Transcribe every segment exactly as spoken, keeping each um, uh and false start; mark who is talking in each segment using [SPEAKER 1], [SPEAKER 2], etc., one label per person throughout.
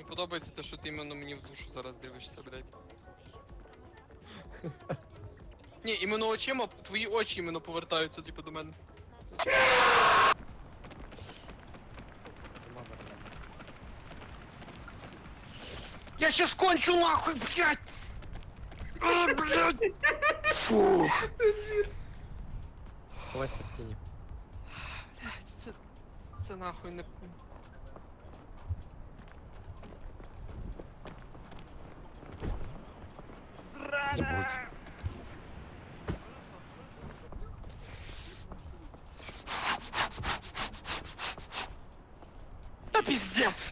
[SPEAKER 1] подобається те, що ти іменно мені в душу зараз дивишся, блядь. Ні, іменно очима, твої очі іменно повертаються, типу, до мене. Я щас кончу нахуй, блядь! А, блядь! Фух!
[SPEAKER 2] Ховайся в тіні.
[SPEAKER 1] Блядь, це... Це нахуй не... Та пиздец!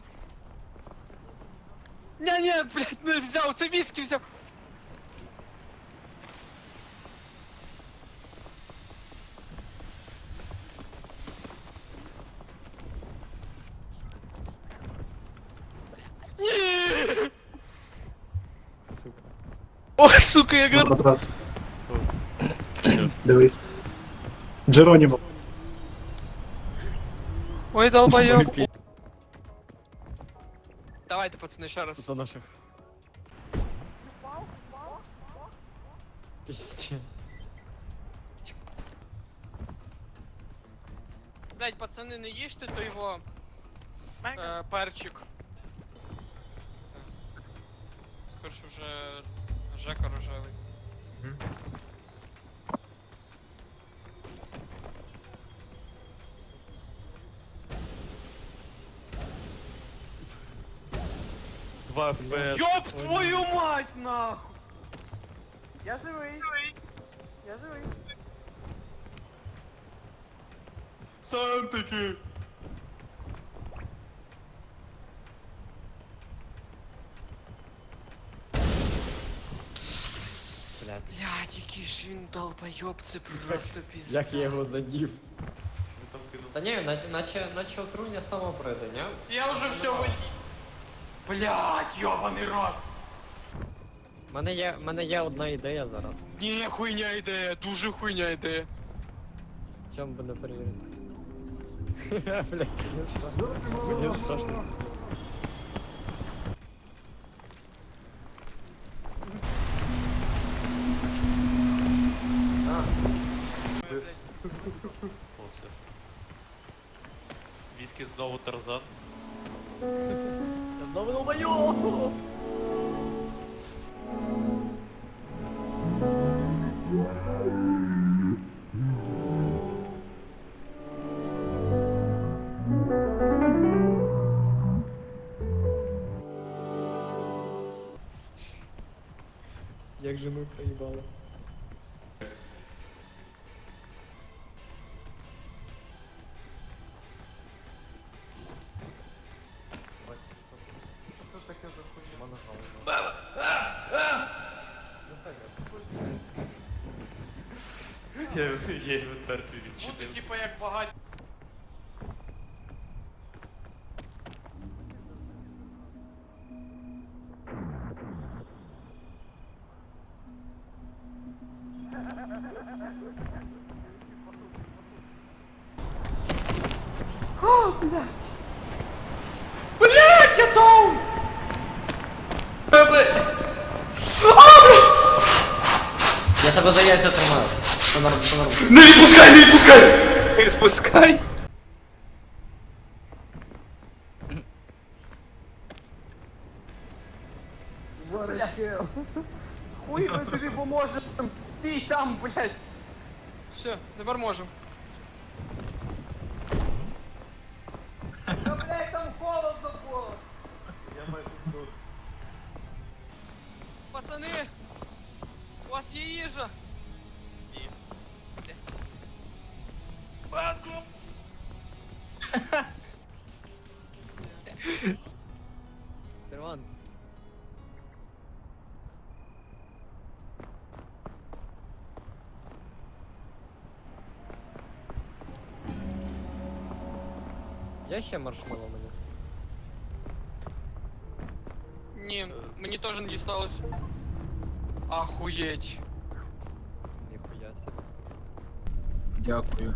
[SPEAKER 1] Не-не, блядь, не взяв, це віскі взяв! Ні!
[SPEAKER 2] Сука.
[SPEAKER 1] Ой, сука, я гор...
[SPEAKER 3] Матрас. Дивись. Джеронімо.
[SPEAKER 1] Ой, долбоёб. Давайте, пацаны, ще раз.
[SPEAKER 2] За наших. Пиздец.
[SPEAKER 1] Блять, пацаны, не їжте, то його е, перчик. Спершу вже Жека рожевий.
[SPEAKER 2] Два еф пі ес.
[SPEAKER 1] Ёб твою мать, нахуй! Я живий. Я живий. Сам таки.
[SPEAKER 2] Блядь.
[SPEAKER 1] Блядь, який ж він долбойоб, це просто пізда.
[SPEAKER 2] Як я його задів? Та ні, на- наче, наче отруєння само пройде, ні?
[SPEAKER 1] Я вже все виїв. Блядь, йобаний рот.
[SPEAKER 2] У мене є, в мене є одна ідея зараз.
[SPEAKER 1] Ні, хуйня ідея, дуже хуйня ідея.
[SPEAKER 2] Чому би не перевірити? Блядь, не страшно. Мені страшно.
[SPEAKER 4] Оце. Віскі знову Тарзан.
[SPEAKER 2] Я знову долбойоб! Як же ми проїбали? Що таке за хуйня?
[SPEAKER 4] Я, я його мертвий
[SPEAKER 1] Буду
[SPEAKER 4] відчинив.
[SPEAKER 1] типа як багать. Блять, я доун!
[SPEAKER 2] Я тебе за яйця тримаю. Все норм, все норм.
[SPEAKER 1] Не відпускай, не відпускай!
[SPEAKER 5] Не спускай!
[SPEAKER 1] Хуй ми тобі поможемо! Стій там, блять! Все, тепер можемо. Та блять, там холодно було!
[SPEAKER 4] Я майже тут.
[SPEAKER 1] Пацани! У вас є їжа?
[SPEAKER 4] Ні.
[SPEAKER 1] Банку!
[SPEAKER 2] Сервант. Я ще маршмеллоу мені.
[SPEAKER 1] Ні, мені теж не дісталось. Ахуєть.
[SPEAKER 2] Ніхуя себе.
[SPEAKER 5] Дякую.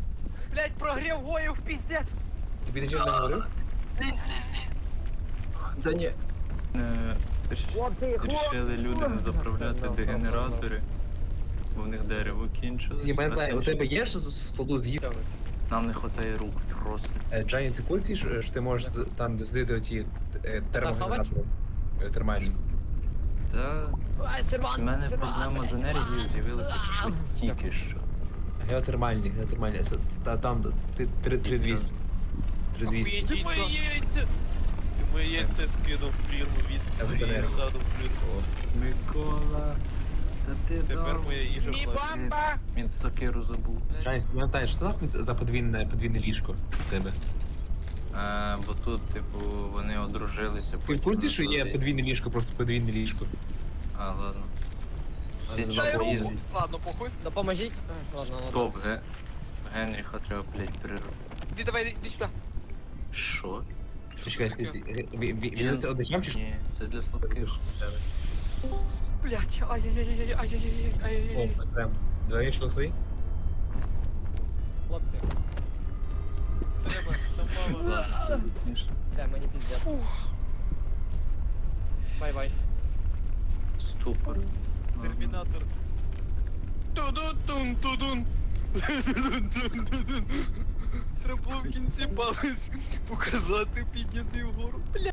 [SPEAKER 1] Блять, прогрів гоїв, піздець!
[SPEAKER 5] Тобі нічого не говорив?
[SPEAKER 1] Лізь, лізь, лізь.
[SPEAKER 5] Та ні.
[SPEAKER 6] Е, ріш- Рішили люди не заправляти дегенератори, бо в них дерево кінчилось.
[SPEAKER 7] Знімай
[SPEAKER 6] а
[SPEAKER 7] плей, у
[SPEAKER 6] це
[SPEAKER 7] тебе є ж з складу з'їв?
[SPEAKER 6] Нам не вистачає рук просто.
[SPEAKER 7] Е, Джані, ти в курсі, що що ти можеш з- там дослідити оті е, термогенератори е, термальні?
[SPEAKER 6] Та в мене проблема з енергією з'явилася тільки що.
[SPEAKER 7] Геотермальні, геотермальні. Це- Та там ти три двісті. три двісті.
[SPEAKER 4] Ти мої яйця! Ти мої яйця скинув в прірву, віск
[SPEAKER 7] Я
[SPEAKER 4] своєї
[SPEAKER 7] зупинив.
[SPEAKER 4] ззаду в прірву.
[SPEAKER 6] Микола, та ти
[SPEAKER 4] Тепер
[SPEAKER 6] дав.
[SPEAKER 4] моя їжа
[SPEAKER 1] Ні,
[SPEAKER 4] плаче.
[SPEAKER 1] бамба!
[SPEAKER 6] Він сокиру забув.
[SPEAKER 7] Джані, ти пам'ятаєш, що це нахуй за подвійне, подвійне ліжко в тебе?
[SPEAKER 6] А, бо тут, типу, вони одружилися.
[SPEAKER 7] Ти в
[SPEAKER 6] потім
[SPEAKER 7] курсі, що є
[SPEAKER 6] назвали-
[SPEAKER 7] подвійне ліжко, просто подвійне ліжко?
[SPEAKER 6] А, ладно. Ти
[SPEAKER 7] Ладно,
[SPEAKER 1] Дай
[SPEAKER 6] чого
[SPEAKER 7] ладно.
[SPEAKER 1] руку!
[SPEAKER 6] їздить?
[SPEAKER 1] Ладно, похуй.
[SPEAKER 2] Допоможіть. А, Ладно, ладно.
[SPEAKER 6] Стоп, ге. Генріха треба, блядь, перервати.
[SPEAKER 1] Іди давай, іди сюди.
[SPEAKER 6] Що?
[SPEAKER 7] Чекай, стій, стій. Е, ві- ві- Він це одичав чи що?
[SPEAKER 6] Ні, це для слабких.
[SPEAKER 1] Блять, ай-яй-яй-яй-яй-яй-яй-яй.
[SPEAKER 7] О, ось прям. Двоє йшли свої?
[SPEAKER 2] Хлопці,
[SPEAKER 4] Треба, там мама.
[SPEAKER 6] Ладно, це смішно.
[SPEAKER 2] бля, мені піздець.
[SPEAKER 1] Фух.
[SPEAKER 2] Бай-бай.
[SPEAKER 6] Ступор.
[SPEAKER 4] Термінатор.
[SPEAKER 1] Тудун, тудун. Тудун-тудун-тудун. Треба було в кінці палець показати, підняти вгору. Бля.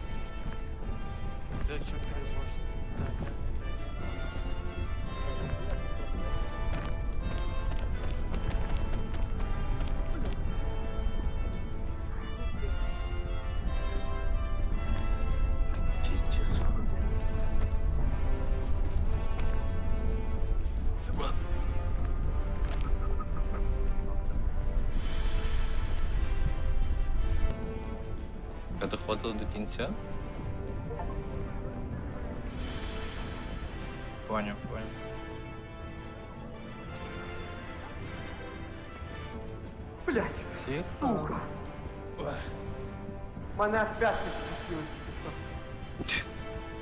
[SPEAKER 4] Це що переможеш?
[SPEAKER 6] Пиздец, води.
[SPEAKER 4] Семен.
[SPEAKER 6] Ви доходили до кінця? Поняв, поняв.
[SPEAKER 1] Блять,
[SPEAKER 6] Ці?
[SPEAKER 1] сука. Мене аж п'ятки спустились.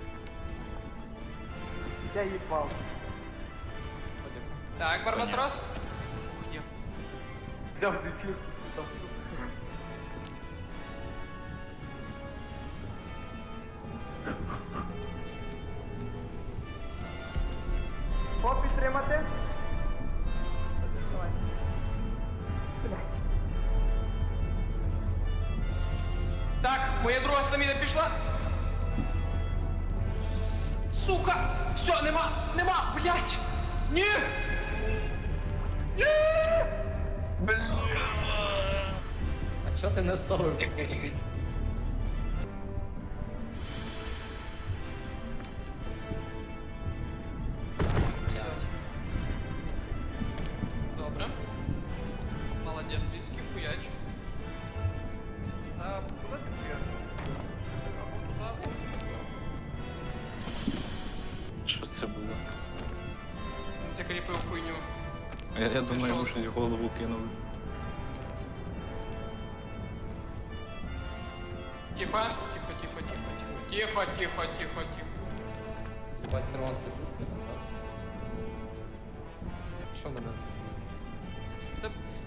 [SPEAKER 1] Я їбав. Так, Барбатрос. Ух, є. Взяв дефір. Що підтримати? Давай. Блядь. Так, моя друга стаміна пішла. Сука! Все, нема! Нема! Блять! Ні! Ні!
[SPEAKER 2] А що ти не ставив?
[SPEAKER 1] Добре. Молодець, військи, хуяч. А, куди ти хуяч? Або туди,
[SPEAKER 6] Що це було?
[SPEAKER 1] закріпив хуйню.
[SPEAKER 6] Я, я думаю,
[SPEAKER 1] що?
[SPEAKER 6] йому щось в голову кинули.
[SPEAKER 1] Тихо, тихо, тихо, тихо, тихо, тихо, тихо, тихо, тихо.
[SPEAKER 2] Єбать, сервант ти тут? Що мене?
[SPEAKER 1] Та...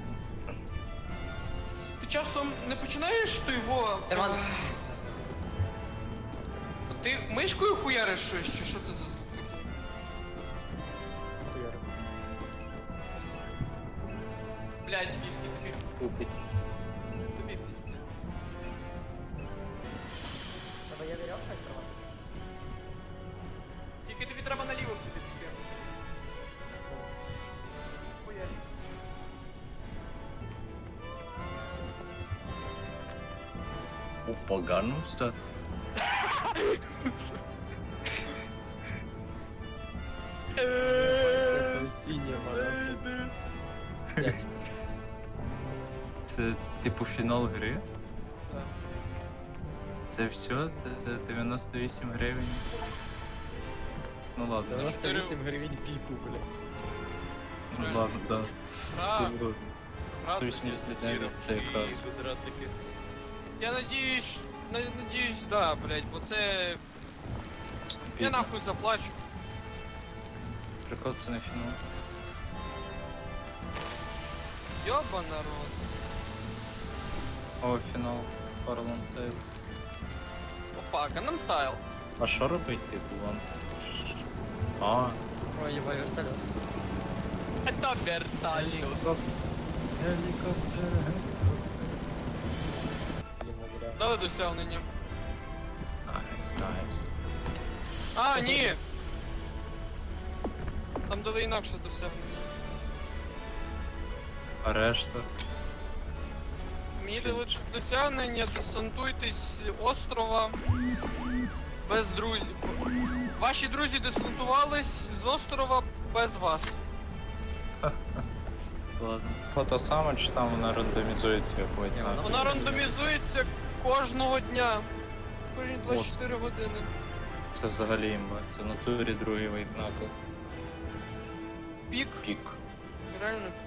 [SPEAKER 1] Ти часом не починаєш то його...
[SPEAKER 2] Сервант!
[SPEAKER 1] Ти мишкою хуяриш щось, чи що це за звук?
[SPEAKER 2] Хуяри.
[SPEAKER 1] Блять, віскі, тобі,
[SPEAKER 6] Тупить.
[SPEAKER 1] тобі пізде.
[SPEAKER 2] Тебе є вірьовка, сервант?
[SPEAKER 1] Тільки тобі треба наліво туди піти. Хуярь.
[SPEAKER 6] Поганувся?
[SPEAKER 2] Сіння, мала. П'ять.
[SPEAKER 6] Це типу фінал гри?
[SPEAKER 1] Так.
[SPEAKER 6] Це все? Це дев'яносто вісім гривень? Ну ладно,
[SPEAKER 2] дев'яносто вісім гривень піку, бля.
[SPEAKER 6] ну ладно, так.
[SPEAKER 1] А,
[SPEAKER 6] Це згодом.
[SPEAKER 1] правда.
[SPEAKER 6] вісімдесят гривень, це якраз.
[SPEAKER 4] Безрадники.
[SPEAKER 1] Я надіюсь, на- надіюсь, да, блять, бо це... Я
[SPEAKER 6] Бідно.
[SPEAKER 1] нахуй заплачу.
[SPEAKER 6] Прикол, це не фінал.
[SPEAKER 1] Йоба народ.
[SPEAKER 6] О, фінал. Farland Sales.
[SPEAKER 1] чувак, Gangnam Style.
[SPEAKER 6] А що робити, типу, вам? А,
[SPEAKER 2] Ой, ебай, вертолет.
[SPEAKER 1] Это вертолет.
[SPEAKER 6] гелікоптер,
[SPEAKER 2] Ему, бля.
[SPEAKER 1] Дали досягнення.
[SPEAKER 6] Найс, найс.
[SPEAKER 1] А, ні! Там дали інакше досягнення.
[SPEAKER 6] А решта?
[SPEAKER 1] Мені дали досягнення, десантуйтесь з острова без друзів. Ваші друзі десантувались з острова без вас.
[SPEAKER 6] Ладно. Фото саме, чи там вона рандомізується якось?
[SPEAKER 2] Ні,
[SPEAKER 6] А,
[SPEAKER 2] вона-
[SPEAKER 1] Вона рандомізується кожного дня. Кожні двадцять чотири години.
[SPEAKER 6] Це взагалі імба, це в натурі другий вейт накл.
[SPEAKER 1] Пік,
[SPEAKER 6] Пік.
[SPEAKER 1] реально